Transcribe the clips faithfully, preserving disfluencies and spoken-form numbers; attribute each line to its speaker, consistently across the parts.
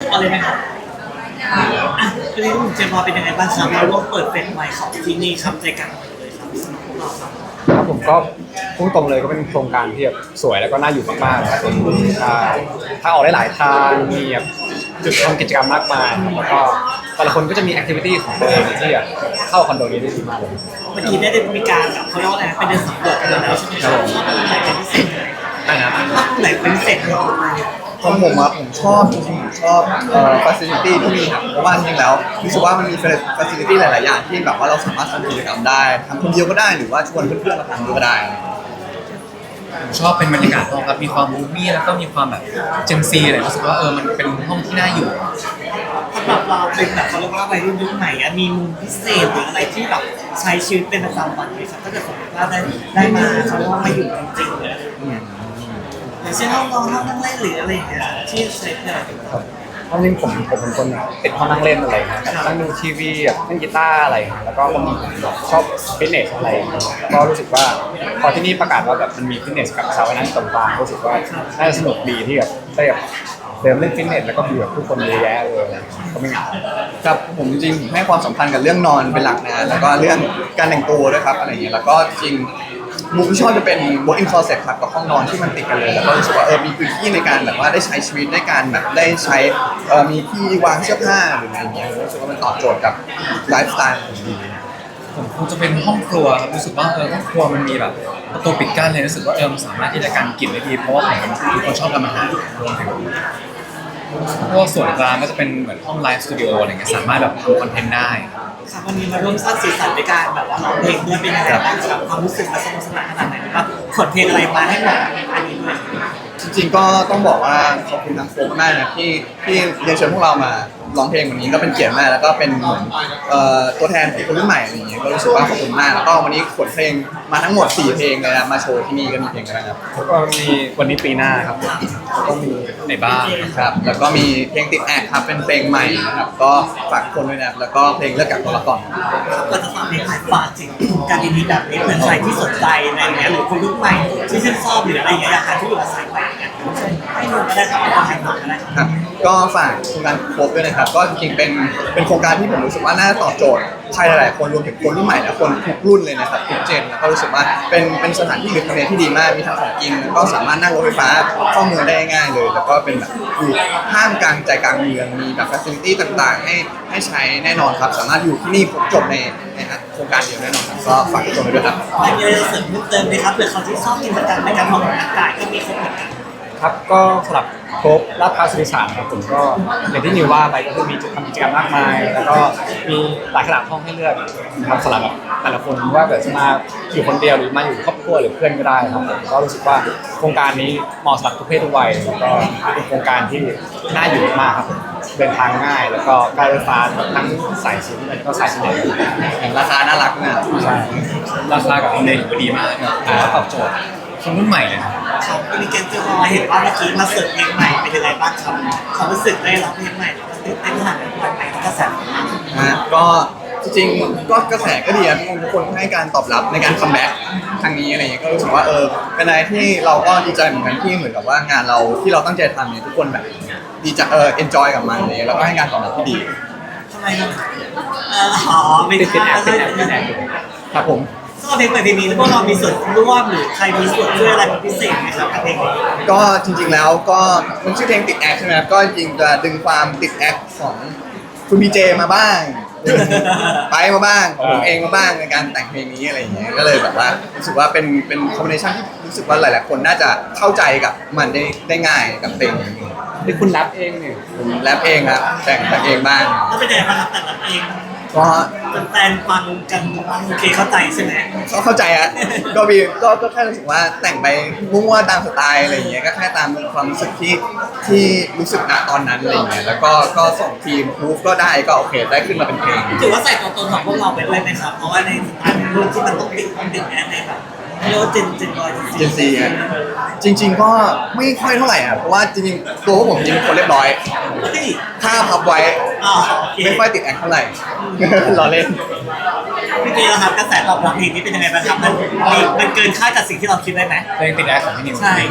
Speaker 1: อะไรไหมครับอ่ะวันนี้คุณเจมส์เป็นยังไงบ้างครับเราร่วมเปิดเฟสใหม่ของที่นี่ครับใจกลางเมืองเลยครับสำหรับพวกเราครับ
Speaker 2: ครับผมก็พุ่งตรงเลยก็เป็นโครงการที่แบบสวยแล้วก็น่าอยู่มากๆครับผมใช่ถ้าออกได้หลายทางมีแบบจุดทำกิจกรรมมากมายครับแล้วก็แต่ละคนก็จะมีแอคทิวิตี้ของตัวเองที่แบบเข้าคอนโดนี้ได้ดีมากเลย
Speaker 1: เมื่อกี้ได้มีการแบบเขาเรียกว่าอะไรนะเป็นเดินสำรวจกันแล้วใช่ไหมครับไหนเป็นพิเศษไหม
Speaker 2: ได้นะ
Speaker 1: ไหนเป็นพิเศษครับ
Speaker 3: ของผมอะผมชอบจริงๆผมชอบเอ่อ facility ที่มีครับเพราะว่าจริงๆแล้วรู้สึกว่ามันมี facility หลายๆอย่างที่แบบว่าเราสามารถทำกิจกรรมได้ทำคนเดียวก็ได้หรือว่าชวนเพื่อนๆมาทำก็ได้
Speaker 4: ผมชอบเป็นบรรยากาศห้องครับมีความมูมี่แล้วก็มีความแบบเจนซีอะไรรู้สึกว่าเออมันเป็นห้องที่น่าอยู่
Speaker 1: สำหรับเราเป็นแบบเขาเรียกว่าวัยรุ่นยุคใหม่อะมีมุมพิเศษหรืออะไรที่แบบใช้ชีวิตเป็นประจำวันไหมครับถ้าเกิดสมมติว่าได้ได้มาเขาเรียกว่ามาอยู่จริงๆเลยอย่างเช่นห้องนอนห้องนั่งเล่นหรืออะไรอย่างเงี้ยที่ใช้เนี่ย
Speaker 2: ครับเพราะจริงผมผมเป็นคนติดห้องนั่งเล่นอะไรนะแบบนั่งดูทีวีแบบเล่นกีตาร์อะไรแล้วก็ผมชอบฟิตเนสอะไรก็รู้สึกว่าพอที่นี่ประกาศว่าแบบมันมีฟิตเนสกับสระว่ายน้ำตรงกลางรู้สึกว่าน่าจะสนุกดีที่แบบได้แบบเดินเล่นฟิตเนสแล้วก็มีแบบผู้คนเยอะแยะเลยก็ไม่เหงา
Speaker 3: ครับผมจริงๆผมให้ความสำคัญกับเรื่องนอนเป็นหลักนะแล้วก็เรื่องการแต่งตัวด้วยครับอะไรอย่างเงี้ยแล้วก็จริงมุมที่ชอบจะเป็น walk in closet ครับกับห้องนอนที่มันติดกันเลยแล้วก็รู้สึกว่าเออมีพื้นที่ในการแบบว่าได้ใช้ชีวิตได้การแบบได้ใช้เออมีที่วางเสื้อผ้าหรืออะไรอย่างเงี้ยรู้สึกว่ามันตอบโจทย์กับไลฟ์สไตล์ผมดี
Speaker 4: ผมคงจะเป็นห้องครัวครับรู้สึกว่าเออห้องครัวมันมีแบบประตูปิดกั้นเลยรู้สึกว่าเออมันสามารถที่จะกันกลิ่นได้ดีเพราะว่าผมเป็นคนชอบทำอาหารรวมถึงพวกส่วนกลางก็จะเป็นเหมือนห้องไลฟ์สตูดิโออะไรเงี้ยสามารถแบบทำคอนเทนต์ได้
Speaker 1: ครับวันนี้มาร่วมสร้างสีสันในการแบบว่าร้องเพลงด้วยเป็นยังไงบ้างครับความรู้สึกมาสนุกสนานขนาดไหนครับขนเพลงอะไรมาให้หมดอันนี้ด้วย
Speaker 3: จริงๆก็ต้องบอกว่าขอบคุณทางโฟมมากนะที่ที่เรียนเชิญพวกเรามาร้องเพลงวันนี้ก็เป็นเกียรติมากแล้วก็เป็นเหมือนตัวแทนของคนรุ่นใหม่อะไรอย่างเงี้ยก็รู้สึกว่าขอบคุณมากแล้วก็วันนี้ขนเพลงมาทั้งหมดสี่เพลงเลยนะมาโชว์ที่นี่ก็มีเพลงอะไรครับ
Speaker 2: แล้วก็มีวันนี้ปีหน้าครับแล้วก็มี
Speaker 4: ในบ้าน
Speaker 3: ครับแล้วก็มีเพลงติดแอคครับเป็นเพลงใหม่นะครับก็ฝากคนด้วยนะแล้วก็เพลงเลิกกับตัวละคร
Speaker 1: ก็จะฟังเพลงใหม่ฝากถึงการดีๆแบบนี้เผื่อใครที่สนใจอะไรอย่างเงี้ยหรือคนรุ่นใหม่ที่ชื่นชอบหรืออะไรอย่างเงี้ยอยากหาที่อยู่อาศัยใหม่เนี่ยให้ดูก็ได้ครับเอาให้หน่อยก็ได้
Speaker 3: ครับก็ฝากโครงการโคบด้วยนะครับก็จริงๆเป็นเป็นโครงการที่ผมรู้สึกว่าน่าตอบโจทย์ใครหลายๆคนรวมถึงคนรุ่นใหม่และคนทุกรุ่นเลยนะครับทุกเจนแล้วก็รู้สึกว่าเป็นเป็นสถานที่หรือทำเลที่ดีมากมีทั้งของกินแล้วก็สามารถนั่งรถไฟฟ้าเข้าเมืองได้ง่ายเลยแล้วก็เป็นแบบอยู่ห้ามกลางใจกลางเมืองมีแบบฟัซิลิตี้ต่างๆให้ให้ใช้แน่นอนครับสามารถอยู่ที่นี่ครบจบในในโครงการเดียวแน่นอนครับก็ฝากทุกคนด้วยครับ
Speaker 1: มีอะไรเสริมเพิ่มเติมไหมครับเผื่อเขาที่ชอบกินประจำในการออกกำลังกายก็มีครบเหมือนกัน
Speaker 2: ครับก็สำหรับโครบลาดพร้าวสุริสานครับผมก็อย่างที่นิวว่าไปก็คือมีจุดทำกิจกรรมมากมายแล้วก็มีหลายขนาดห้องให้เลือกครับสำหรับแต่ละคนว่าแบบจะมาอยู่คนเดียวหรือมาอยู่ครอบครัวหรือเพื่อนก็ได้ครับผมก็รู้สึกว่าโครงการนี้เหมาะสำหรับทุกเพศทุกวัยแล้วก็เป็นโครงการที่น่าอยู่มากครับผมเดินทางง่ายแล้วก็การรถไฟฟ้าทั้งสายสีแล้วก็สายสีแดง
Speaker 3: ราคาน่ารักนะ
Speaker 2: ใช่
Speaker 4: ราคากับทำเลถือว่าดีมากครับแต่ว่าตอบโจทย์คนรุ่นใหม่เลย
Speaker 1: ครับมีเกมเจอรอเห็นว่าเมื่อกี้มาเสิร์ฟเพลงใหม่เป็นยังไงบ้างครับความรู้สึกได้ร้องเพลงใหม่ตื่นเต้นขนาดไหนวันใหม่ก็แซ่บ
Speaker 3: นะก็จริงๆก็กระแสก็ดีนะทุกคนให้การตอบรับในการคัมแบ็กครั้งนี้อะไรอย่างเงี้ยก็รู้สึกว่าเออเป็นอะไรที่เราก็ดีใจเหมือนกันที่เหมือนกับว่างานเราที่เราตั้งใจทำเนี่ยทุกคนแบบดีใจเออเอนจอยกับมันเลยแล้วก็ให้การตอบรับที่ดี
Speaker 1: ทำไมครับอ๋อไม่
Speaker 2: ติดติดแอปติดแอปติดแอป
Speaker 3: ครับผม
Speaker 1: ก็เพลงใหม่เพลงนี้พวกเรามีส่วนร่วมหรือใครมีส่วนช่วยอะไรเป็นพิเศษไหมครับกับเพลงนี้
Speaker 3: ก็จริงๆแล้วก็มันชื่อเพลงติดแอคใช่ไหมครับก็จริงจะดึงความติดแอคของคุณพีเจมาบ้างไปมาบ้างผมเองมาบ้างในการแต่งเพลงนี้อะไรอย่างเงี้ยก็เลยแบบว่ารู้สึกว่าเป็นเป็นคอมบิเนชันที่รู้สึกว่าหลายๆคนน่าจะเข้าใจกับมันได้ได้ง่ายกับเพลงนี้
Speaker 2: ที่คุณแรปเองเนี่ย
Speaker 3: ผมแรปเองครับแต่งแต่งเองบ้าง
Speaker 1: แล้วเป็นยังไงบ้างครับแต่ละเอง
Speaker 3: ก็
Speaker 1: แฟนฟังกันโอเคเข้าใจใช่ไหม
Speaker 3: เขาเข้าใจอ่ะก็มีก็ก็แค่รู้สึกว่าแต่งไปมั่วๆตามสไตล์อะไรอย่างเงี้ยก็แค่ตามความรู้สึกที่ที่รู้สึกณตอนนั้นอะไรอย่างเงี้ยแล้วก็ก็ส่งทีมพูฟก็ได้ก็โอเคได้ขึ้นมาเป็นเพลง
Speaker 1: ถือว่าใส่ตัวตนของพวกเราไปด้วยไหมครับเพราะว่าในสไตล์รุ่นที่มันต้องติดติดแอนในแบบเรียกว่าเจนเจนบอย
Speaker 3: เจนซีจริงๆก็ไม่ค่อยเท่าไหร่อ่ะเพราะว่าจริงๆตัวผมจริงคนเรียบร้อยถ้าพับไว้ไม่ค่อยติดแอคเท่าไหร่รอเล่น
Speaker 1: พี่เจนะครับกระแสตอบรับเพลงนี้เป็นยังไงบ้างครับมันมันเกินคาดจากสิ่งที่เราคิดได้ไหม
Speaker 4: เพลงติดแอคของพี่นิว
Speaker 1: ใช่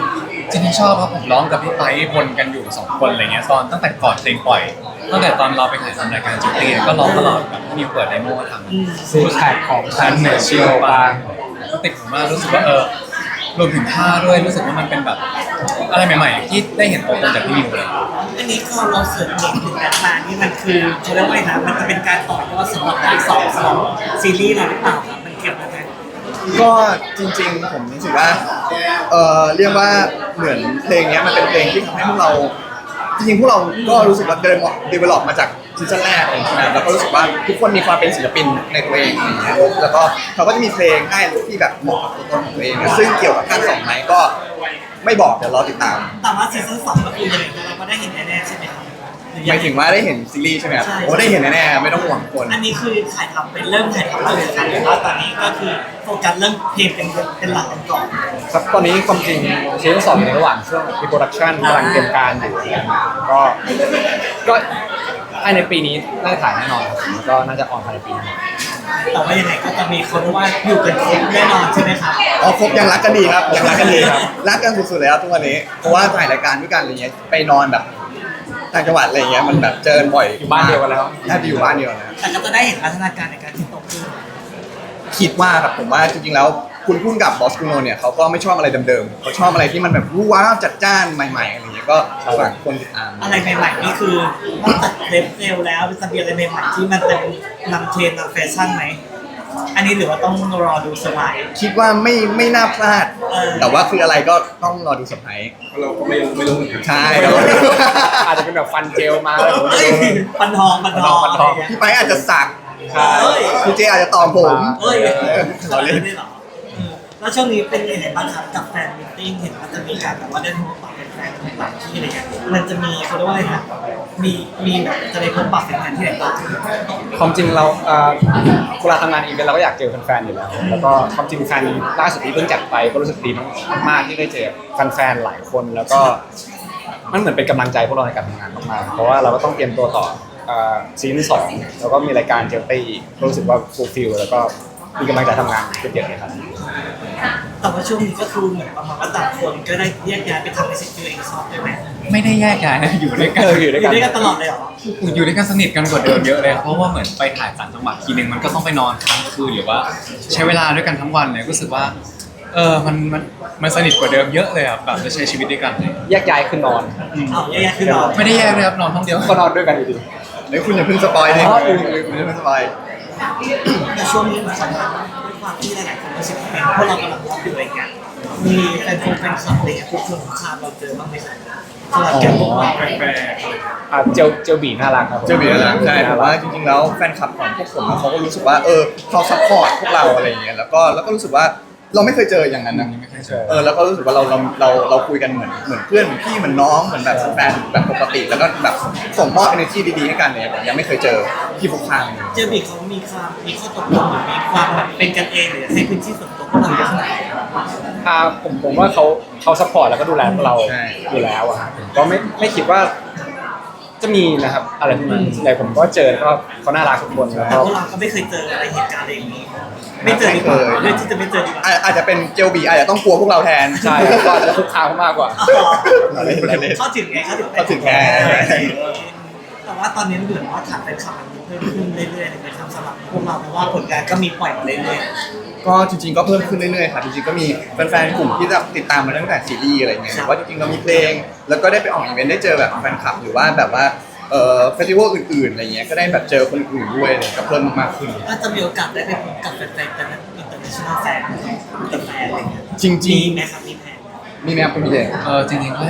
Speaker 4: จริงๆชอบครับผมร้องกับพี่ไปวนกันอยู่สองคนอะไรเงี้ยตอนตั้งแต่ก่อนเพลงปล่อยตั้งแต่ตอนเราไปถ่ายทำรายการจุดเรียนก็ร้องตลอดแบบมีเปิดไดโมทำ
Speaker 2: ซีแพคของฉันเหนือเชียวบาง
Speaker 4: ก็ติดผมมากรู้สึกว่าเออรวมถึงท่าด้วยรู้สึกว่ามันเป็นแบบอะไรใหม่ๆที่ได้เห็นตัวตนจากพี่มิวเลย
Speaker 1: อันนี้คือเราเสิร์ชเด็กถึงแอดมานี่มันคือเขาเรียกว่าไงนะมันจะเป็นการต่อยอดสำหรับที่สองของซีรีส์เราหรือเปล่าครับมันเกี่ยวกันไหม
Speaker 3: ก็จริงๆผมรู้สึกว่าเออเรียกว่าเหมือนเพลงเนี้ยมันเป็นเพลงที่ทำให้พวกเราจริงๆพวกเราก็รู้สึกว่าเดินเดเวลลอปมาจากซีซั่นแรกอะไรอย่างเงี้ยแล้วก็รู้สึกว่าทุกคนมีความเป็นศิลปินในตัวเองอะไรอย่างเงี้ยแล้วก็เขาก็จะมีเพลงให้ที่แบบเหมาะกับตัวตนของตัวเองนะซึ่งเกี่ยวกับภาคสองไหมก็ไม่บอกเดี๋ยวรอติดตาม
Speaker 1: แต่ว่าซีซั่นสองก็คือยังไงเราก็ได้เห็นแน่ๆใช่ไหมครับ
Speaker 3: หมายถึงว่าได้เห็นซีรีส์ใช่ไหมครับโอ้ได้เห็นแน่ๆไม่ต้องห่วงคน
Speaker 1: อันนี้คือถ่ายทำเป็นเริ่มถ่ายทำแล้วเลยครับหรือว่าตอนนี้ก็คือโฟกัสเรื่องเพลงเป็นเป็นหลักกันก่อน
Speaker 2: ครับตอนนี้ความจริงซีซั่นสองอยู่ในระหว่างช่วงพิโปรดักชันกำลังเตรียมการอยู่ก็ก็ภายในปีนี้น่าจะถ่ายแน่นอนครับแล้วก็น่าจะออนภายในปีนี้
Speaker 1: แต่ว่ายังไงก็จะมีคนว่าอยู่กันครบแน่นอนใช่ไหมครับ
Speaker 3: อ๋อครบยังรักกันดีครับยังรักกันดีครับรักกันสุดๆเลยครับทุกวันนี้เพราะว่าถ่ายรายการด้วยกันอะไรเงี้ยไปนอนแบบต่างจังหวัดอะไรเงี้ยมันแบบเจอกันบ่อย
Speaker 2: อยู่บ้านเดียวกันแล้ว
Speaker 3: แทบจะอยู่บ้านเดียวนะ
Speaker 1: แต่ก็จะได้เห็นพัฒนาการในการที่โตขึ้น
Speaker 3: คิดว่าครับผมว่าจริงๆแล้วคุณพุ่งกับบอสกุโนเนี่ยเขาก็ไม่ชอบอะไรเดิมๆเขาชอบอะไรที่มันแบบรู้ว้าวจัดจ้านใหม่ๆอะไรเงี้ยก็ฝากคนติดตาม
Speaker 1: อะไรใหม่ๆนี่คือนอกจากเล็บเร็วแล้วจะมีอะไรใหม่ๆที่มันเป็นนำเทรนด์นำแฟชั่นไหมอันนี้หรือว่าต้องรอดูสไลด์
Speaker 3: คิดว่าไม่ไม่น่าพลาด
Speaker 1: เออ
Speaker 3: แต่ว่าคืออะไรก็ต้องรอดูเซอร์ไพรส์
Speaker 5: เราก็ไม่ไม่รู้เหมือนกัน
Speaker 3: ใช่
Speaker 2: อาจจะเป็นแบบฟันเจลมาอะไรแบบ
Speaker 1: เฮ้ย
Speaker 2: นี้
Speaker 1: ปันทองปันทอง
Speaker 2: ปันทอง
Speaker 3: พี่ไปอาจจะสัก
Speaker 2: ใช่
Speaker 1: เฮ้ย
Speaker 3: คุณเจอาจจะตอบผม
Speaker 1: เฮ้ย
Speaker 3: เรา
Speaker 1: เรา
Speaker 3: เล่
Speaker 1: เล่
Speaker 3: น
Speaker 1: นได้เหรอเออแล้วช่วงนี้เป็นยังไงบ้างครับกับแฟนมิทติ้งเห็นว่าจะมีการแบบว่าได้พบปะเป็นแฟนต่างที่อะไรเงี้ยมันจะมีเขาเรียกว่าอะไรนะมีมีแบบจะได้พบปะเป็นแฟนที่ไหนบ้าง
Speaker 2: ความจริงเราเอ่อเวลาทำงานอีเวนต์เราก็อยากเจอแฟนๆอยู่แล้วแล้วก็ความจริงแฟนล่าสุดที่เพิ่งจัดไปก็รู้สึกดีมากๆที่ได้เจอแฟนๆหลายคนแล้วก็มันเหมือนเป็นกำลังใจพวกเราในการทำงานมากๆเพราะว่าเราก็ต้องเตรียมตัวต่อเอ่อซีซั่นสองแล้วก็มีรายการเจลตี้อีกก็รู้สึกว่าฟูลฟิลแล้วก็มีกำลังใจทำงานเยอะๆเลยครับ
Speaker 1: แต่ว่าช่วงนี้ก็คือเหมือนประมาณว่าต่างคนก็ได้แยกย้ายไปทำในสิ่งที่ตัวเองชอบด้วยไหม
Speaker 4: ไม่ได้แยกย้ายนะอยู่ด้วยกัน
Speaker 2: เอออยู่
Speaker 1: อยู่ด้วยกันตลอดเลยเหรอ
Speaker 4: อยู่ด้วยกันสนิทกันกว่าเดิมเยอะเลยครับเพราะว่าเหมือนไปถ่ายต่างจังหวัดทีนึงมันก็ต้องไปนอนค้างคืนหรือว่า ใช้เวลาด้วยกันทั้งวันเลยรู้สึกว่าเออมันมันมันสนิทกว่าเดิมเยอะเลยครับแบบจะใช้ชีวิตด้วยกันเลย
Speaker 2: แยกย้ายคือนอน
Speaker 1: เอาแยกย้ายคือนอน
Speaker 4: ไม่ได้แยกเลยครับนอนห้องเดียว
Speaker 2: ก็นอนด้วยกันอยู่ดี
Speaker 3: เดี๋ยวคุณอย่าเพิ่งสปอยดิ
Speaker 2: อ๋อ
Speaker 3: คุณอย่าเพิ่งสปอย
Speaker 1: ในช่วงนี้เหมือนกันด้วยความที่หลายๆคนรู้สึกเป็นพวกเรากำลังมองอยู่อะไรเงี้ยมีแฟนคงแฟนคลับอะไรเงี้ยพวกคนของข้ามเราเจอบ้างไหมครับสำหรับแกพวกเรา
Speaker 2: อ่ะเจลเจลบีน่ารักครับผม
Speaker 3: เจอบีแล้วใช่ผมว่าจริงๆแล้วแฟนคลับของพวกผมอะเขาก็รู้สึกว่าเออเขาซัพพอร์ตพวกเราอะไรอย่างเงี้ยแล้วก็แล้วก็รู้สึกว่าเราไม่เคยเจออย่างนั้นนะ
Speaker 4: ไม่เคยเจอ
Speaker 3: เออแล้วก็รู้สึกว่าเราเราเราเราคุยกันเหมือนเหมือนเพื่อนเหมือนพี่เหมือนน้องเหมือนแบบแฟนแบบปกติ แล้วก็แบบส่งมอบ energy ดีๆให้กันเนี่ยผมยังไม่เคยเจอที่พวกข้างเลย
Speaker 1: เจอบีเขามีความมีข้อตกลงหรือมีความแบบเป็นกันเองหรือให้พื้นที่ส่วนตัวพวกเราเยอะขนาดไหน
Speaker 2: อ่าผมผมว่าเขาเขาซัพพอร์ตแล้วก็ดูแลพวกเราอยู่แล้วอะครับผมก็ไม่ไม่คิดว่าจะมีนะครับอะไรพวกนั้นแต่ผมก็เจอแล้วก็เขาน่ารักทุกคนแล้ว
Speaker 1: แต่
Speaker 2: ก็
Speaker 1: พวกเราก็ไม่เคยเจออะไรเหตุการณ์อะไรอย่างนี้ไม่เจอดีกว่าเรื่องที่จะไม่เจอดีกว่า
Speaker 3: อาอาจจะเป็นเจลบีอาจจะต้องกลัวพวกเราแทน
Speaker 2: ใช่ก็อาจจะคุกคามเขามากกว่า
Speaker 3: เราเล่นเราเล่น
Speaker 1: เข้าถึงไงเข้าถึง
Speaker 3: เข้าถึงไง
Speaker 1: แต่ว่าตอนนี้เหมือนว่าฐานแฟนคลับมันเพิ่มขึ้นเรื่อยๆเลยนะครับสำหรับพวกเราเพราะว่าผลงานก็มีปล่อยมาเรื่อย
Speaker 3: ก็จริงๆก็เพิ่มขึ้นเรื่อยๆครับจริงๆก็มีแฟนๆกลุ่มที่จะติดตามมาตั้งแต่ซีรีส์อะไรเงี้ยหรือว่าจริงๆเรามีเพลง แล้วก็ได้ไปออกอีเวนต์ได้เจอแบบแฟนคลับหรือว่าแบบว่าเอ่อเฟสติวัลอื่นๆอะไรเงี้ยก็ได้แบบเจอคนอื่นด้วยเลยก็เพิ่มมากขึ้น
Speaker 1: ๆก็จะมีโอกาสได้ไปพบกับแฟนๆแต่นั้นอินเตอร์เนชั่นแนลแฟนกับแฟนอะไรเงี้ย
Speaker 3: จริง
Speaker 1: มีไหมครับมีแผน
Speaker 3: ๆมีแมวคุณพี่เจ
Speaker 4: เออจริงๆก็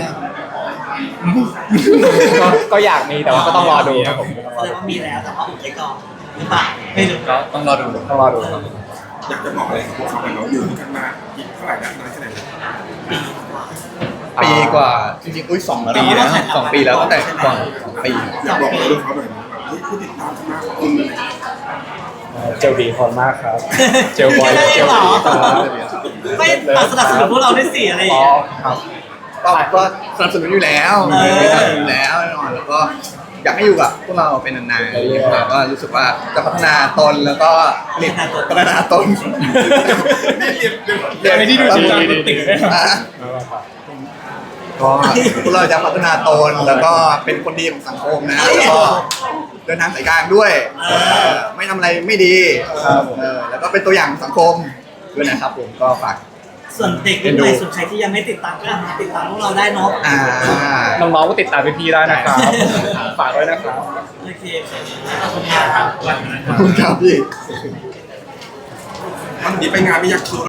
Speaker 2: ก็ก็อยากมีแต่ว่าก็ต้องรอดูครับผมก็ต้องรอ
Speaker 1: แสด
Speaker 2: ดู
Speaker 1: งว่ามีแล้วแต่ว่าอุบไว้ก่อนหรือเปล่าไม่รู้
Speaker 4: ก็ต้องรอดู
Speaker 2: ต้องรอดูครับ
Speaker 5: อยากจะบอกอะไรกับพวกเขาไปเนาะอยู่ด้วยกันมาอีกเท่าไหร่นะนานแค่ไหนนะ
Speaker 1: ปีกว่า
Speaker 3: ปีกว่าจริงๆอุ้ยสองแล้ว
Speaker 1: ปี
Speaker 3: นะ
Speaker 1: แล้ว
Speaker 3: สองปีแล้วตั้งแต่ก่อนสองปี
Speaker 5: อยากบอกอะไรกับเขาหน่อยนะแบบเฮ้ยผู้ติดตามมากขอบคุณเลย
Speaker 2: เจลบีขอบคุณมากครับ เจลบอย
Speaker 1: แค่นั้นเองเหรอ
Speaker 2: ครับ
Speaker 1: ไม่ตัดสนับสนุนพวกเราได้สี่อะไรอย่าง
Speaker 2: อ๋อ
Speaker 1: เงี้ย
Speaker 2: ครับ
Speaker 3: ก็ก็สนับสนุนอยู่แล้ว
Speaker 1: เออ
Speaker 3: สนับสนุนอยู่แล้วแน่นอนแล้วก็อยากให้อยู่กับพวกเราเป็นนานๆแล้วก็รู้สึกว่าจะพัฒนาตนแล้วก็ผลิตพัฒนาตน
Speaker 5: เรียนเรียน
Speaker 3: เรียน
Speaker 4: ที่ดูจริงจังติดเลย
Speaker 3: อ่ะก็พวกเราจะพัฒนาตนแล้วก็เป็นคนดีของสังคมนะแล้วก็เดินทางสายกลางด้วยเออไม่ทำอะไรไม่ดีเออแล้วก็เป็นตัวอย่างของสังคมด้วยนะครับผมก็ฝาก
Speaker 1: ส่วนเด็กรุ่นใหม่ส่วนใครที่ยังไม่ติดตามก็ติดตามพวกเราได้เนาะ
Speaker 3: อ่า
Speaker 2: น้องๆก็ติดตามพี่ๆได้นะครับฝากด้วยนะครับ
Speaker 1: โอเคขอบคุณครับ
Speaker 3: ขอบคุณครับพี่
Speaker 5: วันนี้ไปงานไม่อยากคิด